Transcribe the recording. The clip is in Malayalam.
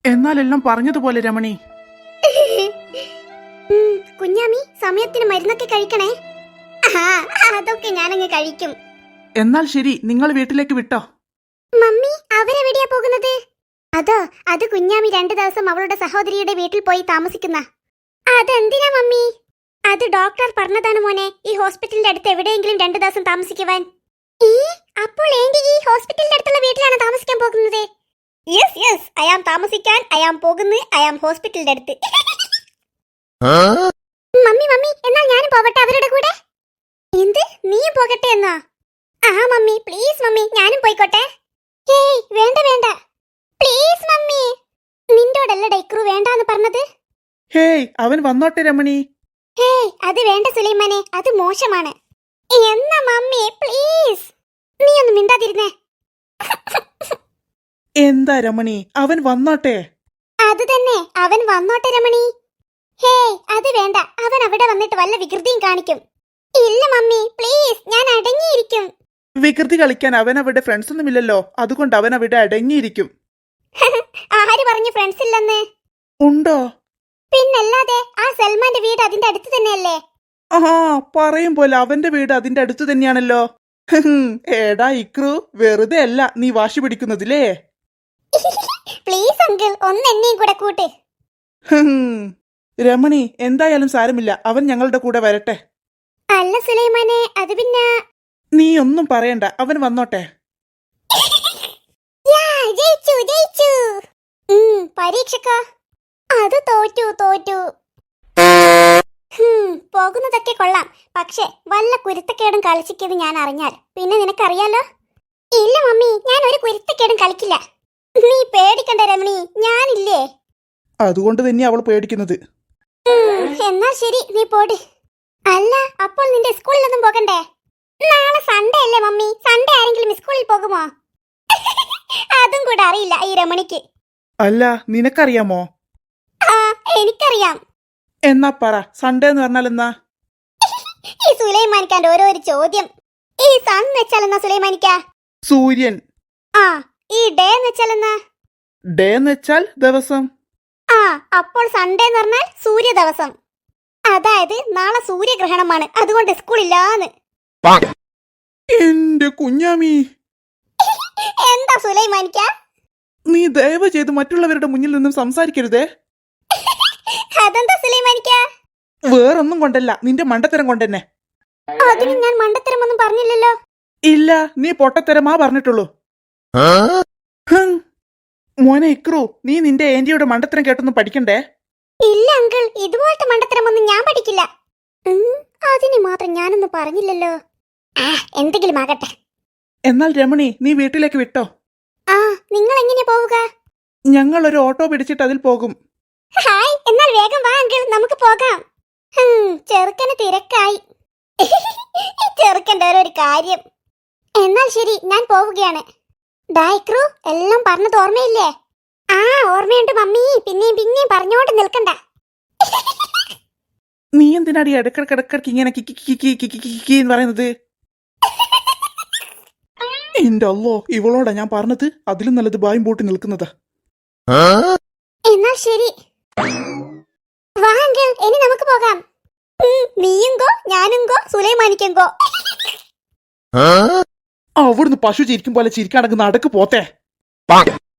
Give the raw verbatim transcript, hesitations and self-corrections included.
എന്നാലെല്ലാം പറഞ്ഞതുപോലെ രമണി. കുഞ്ഞാമി സമയത്തിന് മരുന്നൊക്കെ കഴിക്കണേ. അതൊക്കെ ഞാനങ്ങ് കഴിക്കും. എന്നാൽ ശരി, നിങ്ങൾ വീട്ടിലേക്ക് വിട്ടോ. മമ്മി അവരെവിടെയാ പോകുന്നത്? അതോ അത് കുഞ്ഞാമി രണ്ടു ദിവസം അവളുടെ സഹോദരിയുടെ വീട്ടിൽ പോയി താമസിക്കുന്ന. അതെന്തിനാ മമ്മി? അത് ഡോക്ടർ പറഞ്ഞതാണ് മോനെ, ഈ ഹോസ്പിറ്റലിന്റെ അടുത്ത് എവിടെയെങ്കിലും രണ്ടു ദിവസം താമസിക്കുവാൻ. ഈ അപ്പോൾ ഏന്റി ഈ ഹോസ്പിറ്റലിന്റെ അടുത്തുള്ള വീട്ടിലാണ് താമസിക്കാൻ പോകുന്നത്? യെസ് യെസ്, അയാം താമസിക്കാൻ അയാം പോകുന്നു, അയാം ഹോസ്പിറ്റലിന്റെ അടുത്ത്. മമ്മി മമ്മി എന്നാൽ ഞാനും പോകട്ടെ അവരുടെ കൂടെ? എന്ത്, നീയും പോകട്ടെ എന്നോ? ആ മമ്മി പ്ലീസ് മമ്മി, ഞാനും പോയിക്കോട്ടെ. ഹേയ് വേണ്ട വേണ്ട പ്ലീസ് മമ്മി. നിന്നോടല്ല ഡൈക്രു വേണ്ടാന്ന് പറഞ്ഞത്. ഹേയ് അവൻ വന്നോട്ടെ രമണി. ഹേയ് അത് വേണ്ട സുലൈമാനെ, അത് മോശമാണ്. എന്നാ മമ്മി പ്ലീസ്, നീ ഒന്ന് മിണ്ടാതിരുന്നേ. എന്താ രമണി, അവൻ വന്നോട്ടെ. അത് തന്നെ, അവൻ വന്നോട്ടെ രമണി. ഹേയ് അത് വേണ്ട, അവൻ അവിടെ വന്നിട്ട് വല്ല വികൃതിയും കാണിക്കും. ഇല്ല മമ്മി പ്ലീസ്, ഞാൻ അടങ്ങിയിരിക്കും. വികൃതി കളിക്കാൻ അവൻ അവിടെ ഫ്രണ്ട്സ് ഒന്നുമില്ലല്ലോ, അതുകൊണ്ട് അവൻ അവിടെ അടങ്ങിയിരിക്കും. ആര് പറഞ്ഞു ഫ്രണ്ട്സ് ഇല്ലെന്ന്? ഉണ്ടോ? പിന്നല്ലാതെ, ആ സൽമാന്റെ വീട് അതിന്റെ അടുത്ത് തന്നെയല്ലേ? ആഹാ, പറയും പോലെ അവന്റെ വീട് അതിന്റെ അടുത്ത് തന്നെയാണല്ലോ. ഏടാ ഇക്രു, വെറുതെ അല്ല നീ വാശി പിടിക്കുന്നതില്ലേ. പ്ലീസ് അങ്കിൾ, ഒന്ന് എന്നെയും കൂടെ കൂട്ട്. രമണി എന്തായാലും സാരമില്ല, അവൻ ഞങ്ങളുടെ കൂടെ വരട്ടെ. അല്ല സുലൈമാനെ, അത് പിന്നെ. നീ ഒന്നും പറയണ്ട, അവൻ വന്നോട്ടെ. ജയിച്ചു ജയിച്ചു. പരീക്ഷക്കോ? അത് തോറ്റു തോറ്റു. പോകുന്നതൊക്കെ കൊള്ളാം, പക്ഷെ വല്ല കുരുത്തക്കേടും കളിച്ചിക്കത് ഞാൻ അറിഞ്ഞാൽ പിന്നെ നിനക്കറിയാലോ. ഇല്ല മമ്മി, ഞാൻ ഒരു കുരുത്തക്കേടും കളിക്കില്ല. നീ പേടിക്കണ്ട രമണി, ഞാനില്ലേ. അതുകൊണ്ട് തന്നെ അവൾ പേടിക്കുന്നത്. എന്നാൽ ശരി, നീ പോട്. അല്ല അപ്പോൾ നിന്റെ സ്കൂളിലൊന്നും പോകണ്ടേ? നാളെ സൺഡേ അല്ലേ മമ്മി, സൺഡേ ആരെങ്കിലും സ്കൂളിൽ പോകുമോ? അതും കൂടെ അറിയില്ല ഈ രമണിക്ക്. അല്ല നിനക്കറിയാമോ? ആ എനിക്കറിയാം. എന്നാ പറ, സൺഡേ എന്ന് പറഞ്ഞാൽ എന്നാ? ഈ സുലൈമാനിക്കാന്റെ ഓരോരു ചോദ്യം. ഈ സൺ എന്ന് വെച്ചാൽ എന്നാ സുലൈമാനിക്ക? സൂര്യൻ. ആ ഈ ഡേ എന്ന് വെച്ചാൽ എന്നാ? ഡേ എന്ന് വെച്ചാൽ ദിവസം. ആ അപ്പോൾ സൺഡേ എന്ന് പറഞ്ഞാൽ സൂര്യ ദിവസം. അതായത് നാളെ സൂര്യഗ്രഹണമാണ്, അതുകൊണ്ട് സ്കൂളില്ലാന്ന്. എന്റെ കുഞ്ഞാമി, എന്താ സുലൈമാനിക്ക? നീ ദയവ് ചെയ്ത് മറ്റുള്ളവരുടെ മുന്നിൽ നിന്നും സംസാരിക്കരുതേ. അതെന്താ സുലൈമാനിക്ക? വേറൊന്നും കൊണ്ടല്ല, നിന്റെ മണ്ടത്തരം കൊണ്ടെന്നെ. അതിന് ഞാൻ മണ്ടത്തരമൊന്നും പറഞ്ഞില്ലല്ലോ. ഇല്ല, നീ പൊട്ടത്തരമാ പറഞ്ഞിട്ടുള്ളൂ. മോനെ ഇക്രു, നീ നിന്റെ ഏന്റിയുടെ മണ്ടത്തരം കേട്ടൊന്നും പഠിക്കണ്ടേ? ഇല്ല അങ്കിൾ, ഇതുപോലത്തെ മണ്ടത്തരമൊന്നും ഞാൻ പഠിക്കില്ല. അതിന് മാത്രം ഞാനൊന്നും പറഞ്ഞില്ലല്ലോ. ആ എന്തെങ്കിലും ആകട്ടെ. എന്നാൽ രമണി, നീ വീട്ടിലേക്ക് വിട്ടോ. ആ നിങ്ങൾ എങ്ങനെ പോവുക? ഞങ്ങൾ ഒരു ഓട്ടോ പിടിച്ചിട്ട് അതിൽ പോകും. ഹായ്, എന്നാൽ വേഗം വാ അങ്കിൾ, നമുക്ക് പോകാം. ചെറുക്കന് തിരക്കായി. ചെറുക്കൻ്റെ ഓരോ കാര്യം. എന്നാൽ ശരി, ഞാൻ പോവുകയാണ്. ഡൈക്രു, എല്ലാം പറഞ്ഞത് ഓർമ്മയില്ലേ? ആ ഓർമ്മയുണ്ട് മമ്മി, പിന്നെയും പിന്നെയും പറഞ്ഞോണ്ട് നിൽക്കണ്ട. നീ എന്തിനാടി ഇടക്കിടക്കിടക്കിടക്ക് ഇങ്ങനെ കിക്കി കിക്കി കിക്കി കിക്കി എന്ന് പറയുന്നത്? എന്റെ അല്ലോ, ഇവളോടാ ഞാൻ പറഞ്ഞത്, അതിലും നല്ലത് ബായും പൂട്ടി നിൽക്കുന്നതാ. എന്നാൽ ശരി വാ അങ്കിൾ, ഇനി നമുക്ക് പോകാം. നീയും ഗോ, ഞാനും ഗോ, സുലൈമാനിക്കും ഗോ. അവിടുന്ന് പശു ചിരിക്കും പോലെ ചിരിക്കാടങ്ങ് നടക്ക് പോത്തേ.